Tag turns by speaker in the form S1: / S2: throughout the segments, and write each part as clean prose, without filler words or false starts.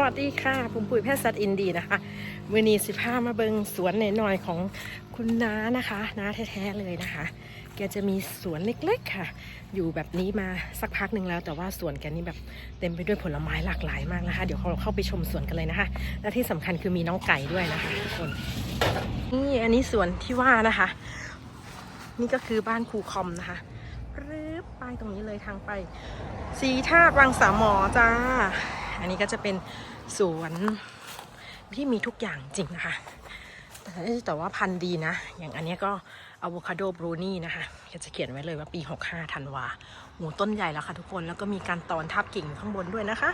S1: วัสดีค่ะผมปุ๋ยแพทย์สัตว์อินดีนะคะวันนี้15มาเบิงสวนหน่อยของคุณน้านะคะน้าแท้ๆเลยนะคะแกจะมีสวนเล็กๆค่ะอยู่แบบนี้มาสักพักหนึ่งแล้วแต่ว่าสวนแกนี่แบบเต็มไปด้วยผลไม้หลากหลายมากนะคะเดี๋ยวเราเข้าไปชมสวนกันเลยนะคะและที่สำคัญคือมีน้องไก่ด้วยนะคะทุกคนนี่อันนี้สวนที่ว่านะคะนี่ก็คือบ้านครูคอมนะคะรืบป้ายตรงนี้เลยทางไปสีธาตุวังสามหมอจ้าอันนี้ก็จะเป็นสวนที่มีทุกอย่างจริงนะคะแต่ว่าพันธุ์ดีนะอย่างอันนี้ก็อะโวคาโดบรูนี่นะคะจะเขียนไว้เลยว่าปี65ธันวาหมูต้นใหญ่แล้วค่ะทุกคนแล้วก็มีการตอนทับกิ่งข้างบนด้วยนะคะ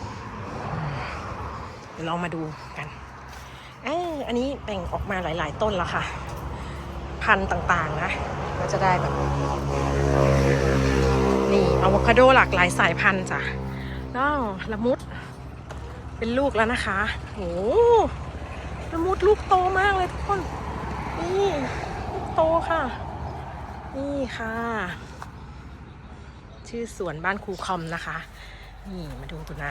S1: เดี๋ยวลองมาดูกันอันนี้แบ่งออกมาหลายๆต้นแล้วค่ะพันธุ์ต่างๆนะก็จะได้แบบนี่อะโวคาโดหลากหลายสายพันธุ์จ้ะแล้วละมุดเป็นลูกแล้วนะคะโอ้ละมุดลูกโตมากเลยทุกคนนี่ลูกโตค่ะนี่ค่ะชื่อสวนบ้านครูคอมนะคะนี่มาดูตัวหน้า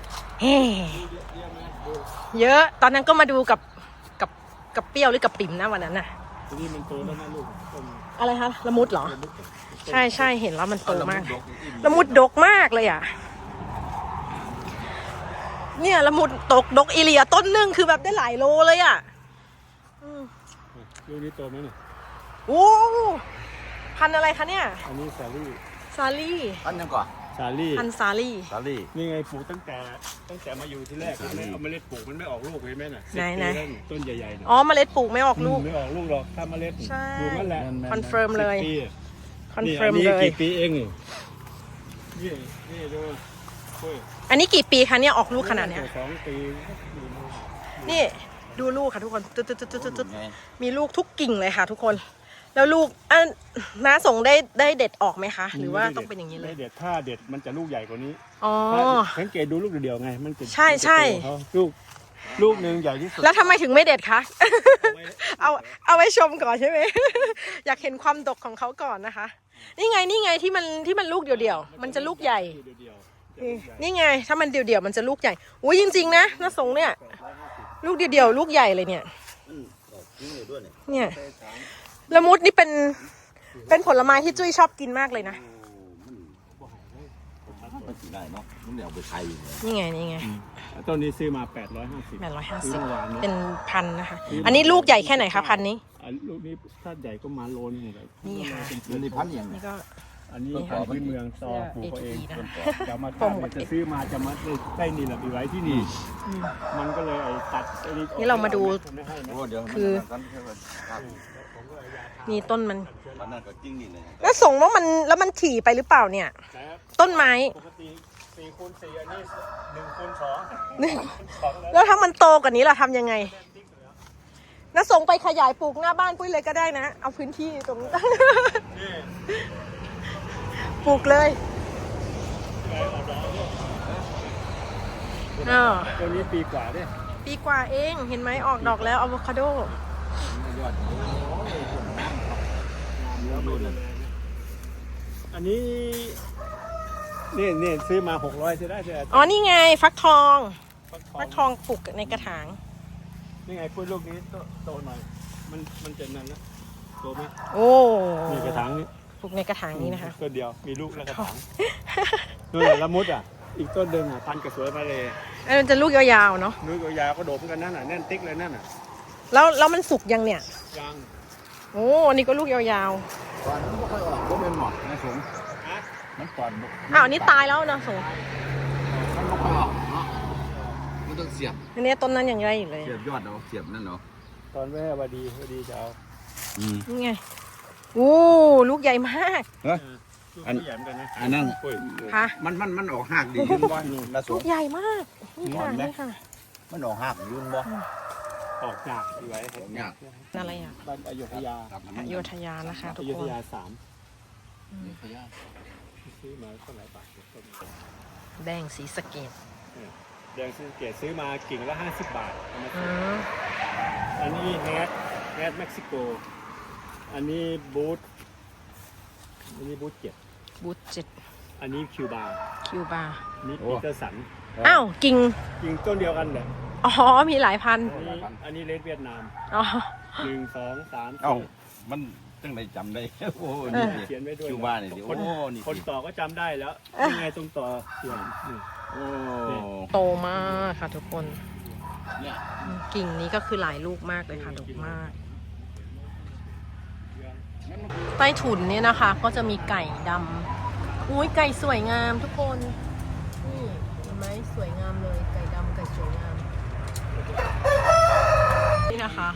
S1: เยอะตอนนั้นก็มาดูกับเปรี้ยวหรือกับปิ่มนะวันนั้นน่ะ
S2: ทีนี้มันโตแล้วนะลูก
S1: อะไรคะละมุดเหรอใช่เห็นแล้วมันโตมากละมุดดกมากเลยอ่ะเนี่ยละมุดดกอีเลียต้นนึงคือแบบได้หลายโลเลยอ่ะ
S2: ลูกนี้โตไหมเนี่ย
S1: โอ้พันอะไรคะเนี่ย
S2: อันนี้ซาลี่
S3: พันยังก่อน
S2: ซาลี่
S1: พันซาลี่
S2: นี่ไงปลูกตั้งแต่มาอยู่ที่แรกไม่เอาเมล็ดปลูกมันไม่ออกลูกเลยแม่น่ะ
S1: ไหน
S2: ต้นใหญ่ๆ
S1: อ๋อเมล็ดปลูกไม่ออกลูก
S2: ไม่ออกลูกหรอกถ้าเมล็ดดูนั่นแหละ
S1: คอนเฟิร์มเลยคอนเฟิร์มเลย
S2: กี่ปีเองนี่ดู
S1: อันนี้กี่ปีคะเนี่ยออกลูกขนาดเนี้ย
S2: 2 ปี
S1: นี่ดูลูกค่ะทุกคนตึ๊ดมีลูกทุกกิ่งเลยค่ะทุกคนแล้วลูกน้าส่งได้เด็ดออกไหมคะหรือว่าต้องเป็นอย่างนี้เลย
S2: เด็ดถ้าเด็ดมันจะลูกใหญ่กว่านี้
S1: อ๋อ
S2: สังเกตดูลูกเดียวไงมันจะ
S1: ใช่
S2: ลูกนึงใหญ่ที่สุด
S1: แล้วทำไมถึงไม่เด็ดคะเอาไว้ชมก่อนใช่ไหมอยากเห็นความดกของเขาก่อนนะคะนี่ไงที่มันลูกเดียวมันจะลูกใหญ่นี่ไงถ้ามันเดียวมันจะลูกใหญ่อุ้ยจริงๆนะน้าสงเนี่ยลูกเดียวลูกใหญ่เลยเนี่ยละมุดนี่เป็นผลไม้ที่จุ้ยชอบกินมากเลยนะนี่ไง
S2: ต้นนี้ซื้อมา850
S1: เป็นพันนะคะอันนี้ลูกใหญ่แค่ไหนคะพันนี้
S2: ลูกนี้ถ้าใหญ่ก็มาโลนึงเลย
S1: นี่ค่ะ
S3: นี่พันอย่าง
S1: นี่ก็
S2: อันนี้พื้นเมืองต่อปลูกเองจะมาจะซื้อมาจะมาได้นี่แหละไปไว้ที่นี่มันก็เลยตัด
S1: นี่เรามาดูคือนี่ต้นมันแล้วส่งว่ามันถี่ไปหรือเปล่าเนี่ยต้นไม้
S2: ปกติ4 คูณ 4อันนี้1 คูณ 2
S1: แล้วถ้ามันโตกว่านี้ล่ะทำยังไงน่าส่งไปขยายปลูกหน้าบ้านปุ้ยเลยก็ได้นะเอาพื้นที่ตรงนี้ปลูกเลย
S2: ตัวนี้ปีกว่าด้วย
S1: ปีกว่าเองเห็นไหมออกดอกแล้วอะโวคาโด
S2: อันนี้นี่ซื้อมา600จะได้
S1: อ๋อนี่ไงฟักทองปลูกในกระถาง
S2: นี่ไงพูดลูกนี้โตหน่อยมันจะนั่นนะโตไหม
S1: โอ้
S2: มีกระถางนี้
S1: ปลูกในกระถางนี้นะคะ
S2: ต้นเดียวมีลูกแล้วกระถางนู่นละมุดอีกต้นเดิมพันกระสวยมาเลย
S1: มันจะลูกยาวๆเนาะ
S2: ลูกยาวก็โดดกันนั่นน่ะแน่นติ๊กเลยนั่นน่ะ
S1: แล้วมันสุกยังเนี่ย
S2: ยัง
S1: โอ้อันนี้ก็ลูกยาว
S3: ๆก่อนมันไม่ค่อยออกก็เป็นหมอกนะสงมันก่อน
S1: อันนี้ตายแล้วนะสง
S3: มันไม่ค่อยออกเนาะมันต้องเสียบ
S1: อันนี้ต้นนั้นยังไงอยู่เลย
S3: เสียบยอดเนาะเสียบนั่นเนาะ
S2: ตอนแม่พอดีจะเอา
S1: นี่ไงโอ้ลูกใหญ่มาก
S3: อันนั้น
S1: ค่ะ
S3: มันออกหักดีขึ้นบ้านนี่ละสง
S1: ลูกใหญ่มากนี่ค่ะ
S3: มันออกหักยืนบ่
S2: ออกจากที่ไว้
S1: อะไรอ่ะ
S2: บ้านอโยธยา
S1: นะคะทุกคน
S2: อโยธยา3ซื้อมาเท่าไหร่บาท
S1: แดงสีสะเกด
S2: ซื้อมากิ่งละ50 บาทอันนี้แฮดเม็กซิโกอันนี้บูท7
S1: บูท7
S2: อันนี้คิวบา
S1: ร์
S2: นี่ปีเตอร์สัน
S1: อ้าวกิ่ง
S2: กิ่งต้นเดียวกันแหละ
S1: อ๋อมีหลายพันธุ์
S2: อันนี้เลดเวียดนาม
S1: อ๋อ
S2: 1 2 3
S3: เอ้า
S2: 4
S3: มันจังไดจำได้ โอ้นี่ดิ
S2: เขียนไว้ด้วย
S3: อยู่บ้านนี่ดิ
S2: คน
S3: โอ้นี่
S2: คน
S3: ดิ
S2: ต่อก็จำได้แล้วยังไงตรงต่อเขียนนี่
S3: โอ้
S1: โตมากค่ะทุกคน
S3: เนี่ย
S1: กิ่งนี้ก็คือหลายลูกมากเลยค่ะดกมาก ใต้ถุนเนี่ยนะคะ ก็จะมีไก่ดำอุ้ยไก่สวยงามทุกคนนี่เห็นไหมสวยงามเลยไก่ดำไก่สวยงามนี่นะคะ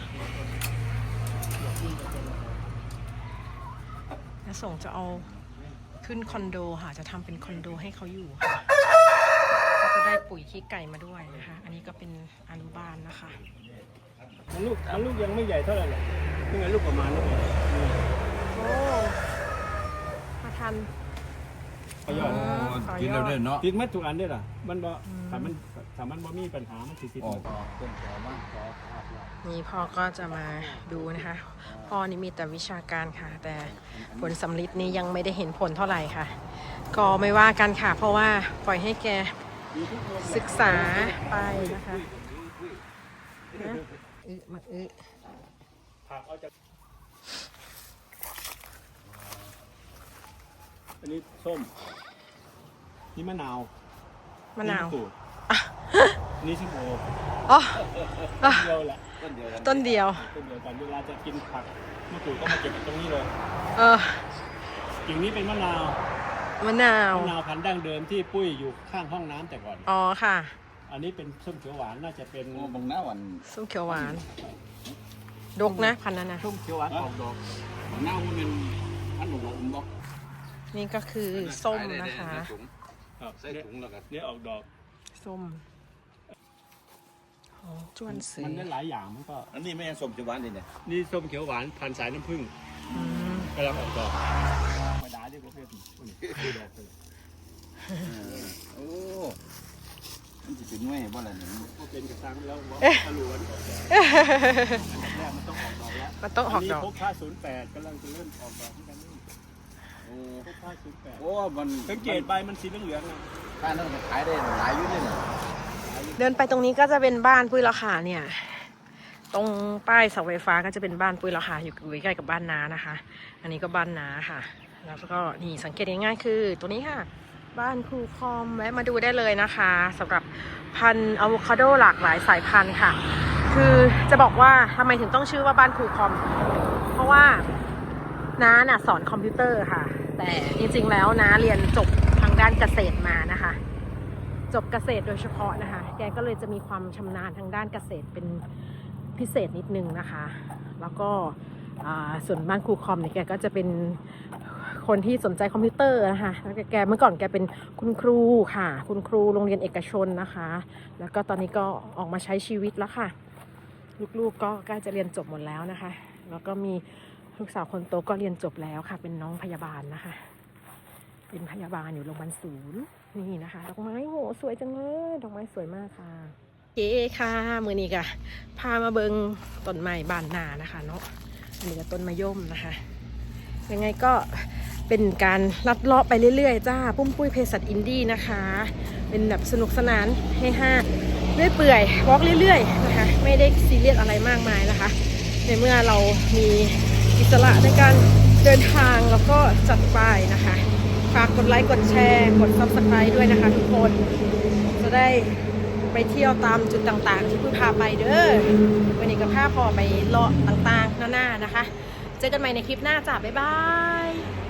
S1: จะส่งจะเอาขึ้นคอนโดค่ะจะทำเป็นคอนโดให้เขาอยู่ค่ะก็จะได้ปุ๋ยขี้ไก่มาด้วยนะคะอันนี้ก็เป็นอนุบาลนะคะ
S2: มันลูกยังไม่ใหญ่เท่าไหร่หรอกยังไงลูกประมาณนี้เลยนี่
S1: โอ้มาทัน
S2: ขยอด
S3: กินแล้วเด้อเนาะ
S2: ติดมัดทุกอันได้ล่ะมันบ่ถ้ามันบ่มีปัญหามันสิติด
S3: ออ
S2: มั
S3: ก
S2: ด
S3: ต้นแถวบ้านขอภาพเรา
S1: นี่พ่อก็จะมาดูนะคะ พ่อนี่มีแต่วิชาการค่ะ แต่ผลสำลิดนี้ยังไม่ได้เห็นผลเท่าไหร่ค่ะ ก็ไม่ว่ากันค่ะ เพราะว่าปล่อยให้แกศึกษาไปนะคะนะมา
S2: ผักเอาจากอันนี้ส้มนี่มะนาว
S1: มะนาว
S2: สูตรนี่ส้มโอ
S1: อ๋อ
S2: เดียวแหละ
S3: ต้นเดียวกัน
S1: ต้นเดียว
S2: ต้นเดียวกันเวลาจะกินผักมะกรูดก็มาเก็บตรงนี้เลย
S1: เออ
S2: กิ่งนี้เป็นมะนาว
S1: มะนาว
S2: มะนาวพันธุ์ดั้งเดิมที่ปุ้ยอยู่ข้างห้องน้ำแต่ก่อน
S1: อ๋อค่ะ
S2: อันนี้เป็นส้มเขียวหวานน่าจะเป็น
S3: โอ้บางหน้าวัน
S1: ส้มเขียวหวาน ดกนะพันธุ์นั้นนะ
S2: ส้มเขียวหวานออกดอก
S3: บางหน้ามันเป็นอันหนูบอก
S1: นี่ก็คือส้มนะคะ
S2: ครับ
S3: ใส่ถุงแล้วกัน
S2: เนี่ยออกดอก
S1: ส้มของจวนซื้อ
S2: มันได้หลายอย่างมันก็
S3: อันนี้ไม่ใช่ส้มจะหวานดิเนี่ย
S2: นี่ส้มเขียวหวานพันธุ์สายน้ำผึ้ง
S1: อืม
S2: กำลังออกดอกธรรมดาที่ประเภทนี้คือดอกเลย
S3: โอ้มันจะเป็นหน่วยบ่ล่ะเนี่ย
S2: ก็เป็นกระซังแล้วว่าทะลุวันออกดอกแรกมันต้องออกดอกแล้ว
S1: มันต้องออกดอก
S2: นนี้พกผ้า08กำลังจะเริ่มออกดอกเหมือนกันนี่
S3: โอ้
S2: พกผ้า
S3: โอ้มัน
S2: 08สังเกตใบมันสีเหลืองๆนะ
S3: ถ้านั่นมันขายได้หลายอยู่เลยเนี่ย
S1: เดินไปตรงนี้ก็จะเป็นบ้านปุ้ยราคาเนี่ย ตรงป้ายเสาไฟฟ้าก็จะเป็นบ้านปุ้ยราคาอยู่ใกล้กับบ้านน้านะคะ อันนี้ก็บ้านน้าค่ะ แล้วก็นี่สังเกตง่ายๆคือตัวนี้ค่ะ บ้านครูคอมแวะมาดูได้เลยนะคะสำหรับพันธุ์อะโวคาโดหลากหลายสายพันธุ์ค่ะ คือจะบอกว่าทำไมถึงต้องชื่อว่าบ้านครูคอม เพราะว่าน้าน่ะสอนคอมพิวเตอร์ค่ะ แต่จริงๆแล้วน้าเรียนจบทางด้านเกษตรมานะคะ จบเกษตรโดยเฉพาะนะคะ แกก็เลยจะมีความชำนาญทางด้านเกษตรเป็นพิเศษนิดนึงนะคะ แล้วก็ส่วนบ้านครูคอมเนี่ยแกก็จะเป็นคนที่สนใจคอมพิวเตอร์นะคะแล้วแกเมื่อก่อนแกเป็นคุณครูค่ะ คุณครูโรงเรียนเอกชนนะคะ แล้วก็ตอนนี้ก็ออกมาใช้ชีวิตแล้วค่ะ ลูกๆก็ใกล้จะเรียนจบหมดแล้วนะคะ แล้วก็มีลูกสาวคนโตก็เรียนจบแล้วค่ะ เป็นน้องพยาบาลนะคะ เป็นพยาบาลอยู่โรงพยาบาลศูนย์นี่นะคะดอกไม้โหสวยจังเลยดอกไม้สวยมากค่ะโอเคค่ะมือนี้ก็พามาเบิงต้นไม้บานนานะคะเนาะอันนี้ก็ต้นมะย่มนะคะยังไงก็เป็นการลัดเลาะไปเรื่อยๆจ้าปุ้มปุ้ยเภสัชอินดี้นะคะ เป็นแบบสนุกสนานให้ห้าเรื่อยเปื่อยวอล์กเรื่อยๆนะคะไม่ได้ซีเรียสอะไรมากมายนะคะในเมื่อเรามีอิสระในการเดินทางแล้วก็จัดไปนะคะฝากกดไลค์กดแชร์กด Subscribe ด้วยนะคะทุกคนจะได้ไปเที่ยวตามจุดต่างๆที่เพิ่งพาไปเด้อวันนี้ก็พาพอไปเลาะต่างๆหน้าๆนะคะเจอกันใหม่ในคลิปหน้าจ้าบ๊ายบาย